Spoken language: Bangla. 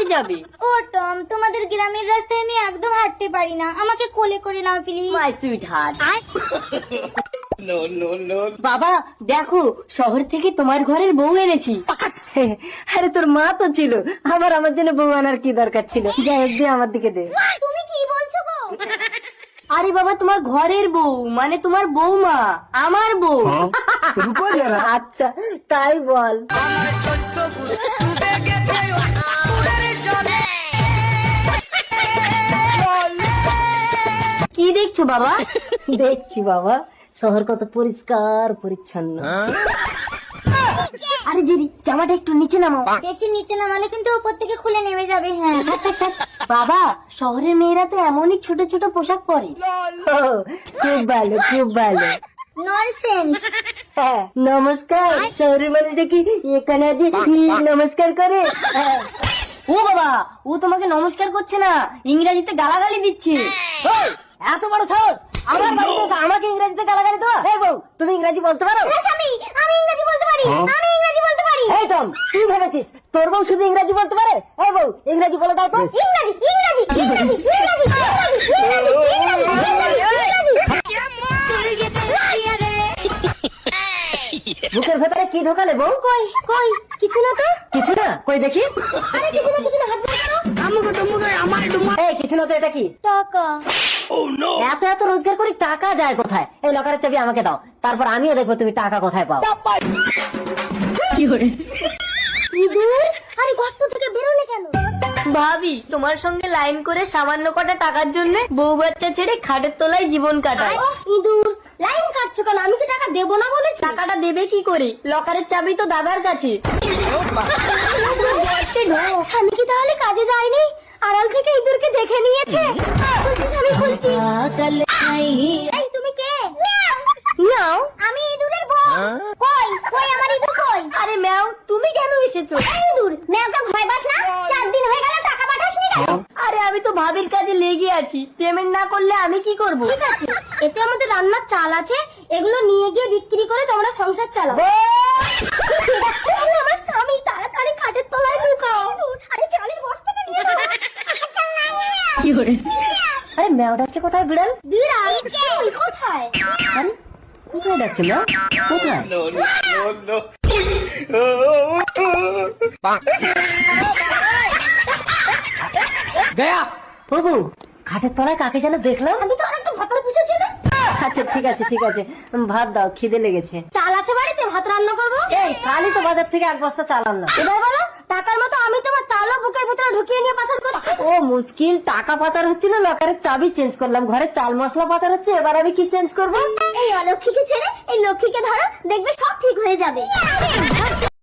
যাবে। ও টম, তোমাদের গ্রামের রাস্তায় আমি একদম হাঁটতে পারি না, আমাকে কোলে করে নাও প্লিজ। My sweet heart. বাবা দেখো, শহর থেকে তোমার ঘরের বউ এনেছি। আরে তোর মা তো ছিল, আমার জন্য বউ আনার কি দরকার ছিল? যাই হোক, দে আমার দিকে দে। তুমি কি বলছো গো? আরে বাবা, তোমার ঘরের বউ মানে তোমার বৌমা, আমার বউ। আচ্ছা তাই বল। কি দেখছো বাবা? দেখছি বাবা, শহর কত পরিষ্কার পরিচ্ছন্ন। আরে জেরি, জামাটা একটু নিচে নামাও। বেশি নিচে নামালে কিন্তু উপর থেকে খুলে নেমে যাবে। হ্যাঁ বাবা, শহরের মেয়েরা তো এমনই ছোট ছোট পোশাক পরে। ও, খুব ভালো খুব ভালো। ননসেন্স। হ্যাঁ, নমস্কার। শহরের মানুষটা কি এখানে নমস্কার করে? হ্যাঁ। ও বাবা, ও তোমাকে নমস্কার করছে না, ইংরেজিতে গালাগালি দিচ্ছে। ওই, এত বড় সাহস আমার বাড়িতে এসে আমাকে ইংরেজিতে গালাগালি দেওয়া? এই বউ, তুমি ইংরেজি বলতে পারো? আমি ইংরেজি বলতে পারি, আমি ইংরেজি বলতে পারি। এই টম, তুই ভেবেছিস তোর বউ শুধু ইংরেজি বলতে পারে? এই বউ, ইংরেজি বলে দাও তো। ইংরেজি ইংরেজি ইংরেজি ইংরেজি বুকের ভেতরে কি ঢোকালে বউ? কই কই কিছু না তো। কিছু না, কই দেখি। আরে কিছু না কিছু না, হাত ধরে দাও। এই কিছু না তো, এটা কি? টাকা। এত এত রোজগার করে টাকা যায় কোথায়? এই লকারের চাবি আমাকে দাও, তারপর আমিও দেখবো তুমি টাকা কোথায় পাও। ইঁদুর, আরে গর্ত থেকে বেরোলে কেন? ভাবি, তোমার সঙ্গে লাইন করে সামান্য কটা টাকার জন্য বউ বাচ্চা ছেড়ে খাটের তলায় জীবন কাটায়। ইঁদুর, লাইন কাটছো কেন? আমি কি টাকা দেবো না বলেছি? টাকাটা দেবে কি করে? লকারের চাবি তো দাদার কাছে। স্বামী কি তাহলে কাজে যায়নি? আড়াল থেকে ইঁদুরকে দেখে নিয়েছে। বলছি স্বামী, বলছি। এই তুমি কে? নাও। আমি ইঁদুরের বউ। কই কই আমার ইঁদুর কই? আরে ম্যাও, তুমি কেন এসেছো? এই ইঁদুর, মেয়েকে ভয় পাস না? 4 দিন হয়ে গেল টাকা পাঠাসনি কেন? আরে আমি তো ভাবির কাজে লেগে আছি, পেমেন্ট না করলে আমি কি করব? ঠিক আছে, এতে আমাদের রান্নার চাল আছে, এগুলো নিয়ে গিয়ে বিক্রি করে তোমরা সংসার চালাও। আরে আমার স্বামী, তাড়াতাড়ি খাটের তলায় ঢুকাও। আরে চালের বস্তাটা নিয়ে নাও। কি করে? আরে ম্যাও ডাকছে কোথায়? বিড়াল? বিড়াল কই কোথায়? আরে কোথায় ডাকছে ম্যাও? কোথায়? गया। বাবু, খাটের তলায় কাকে যেন দেখলাম। আমি তো আরেকটা ভাতার পুষেছি না। আচ্ছা ঠিক আছে ঠিক আছে, ভাত দাও, খিদে লেগেছে। চাল আছে বাড়িতে, ভাত রান্না করবো। এই কালই তো বাজার থেকে 1 বস্তা চাল আনলাম। এবার বলো, টাকার মতো আমি তোমার চালও বুকের ভিতরে ঢুকিয়ে নিয়ে পাচার করছি। ও মুশকিল, টাকা পাতার হচ্ছিল, লকারের চাবি চেঞ্জ করলাম, ঘরে চাল মশলা পাতার হচ্ছে, এবার আমি কি চেঞ্জ করবো? এই অলক্ষীকে ছেড়ে এই লক্ষ্মীকে ধরো, দেখবে সব ঠিক হয়ে যাবে।